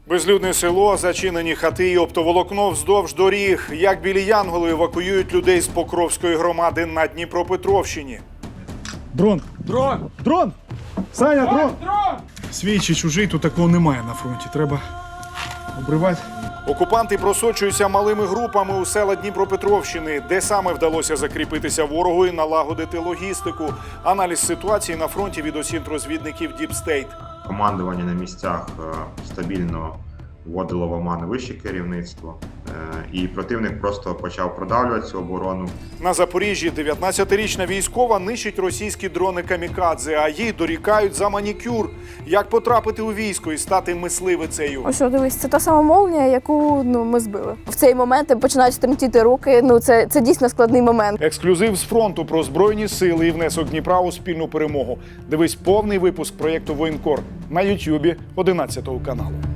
Безлюдне село, зачинені хати і оптоволокно вздовж доріг. Як білі янголи евакуюють людей з Покровської громади на Дніпропетровщині. Дрон! Дрон! Дрон! Саня, дрон! Дрон! Свій чи чужий, тут такого немає на фронті. Треба обривати. Окупанти просочуються малими групами у села Дніпропетровщини, де саме вдалося закріпитися ворогу і налагодити логістику. Аналіз ситуації на фронті від осінт-розвідників Deep State. Командування на місцях стабільно вводило в оману вище керівництво, і противник просто почав продавлювати цю оборону. На Запоріжжі 19-річна військова нищить російські дрони камікадзе, а їй дорікають за манікюр. Як потрапити у військо і стати мисливицею? Ось, дивись, це та сама молнія, яку ми збили. В цей момент починають тремтіти руки. Це дійсно складний момент. Ексклюзив з фронту про Збройні сили і внесок Дніпра у спільну перемогу. Дивись повний випуск проєкту «Воєнкор» на Ютубі 11 каналу.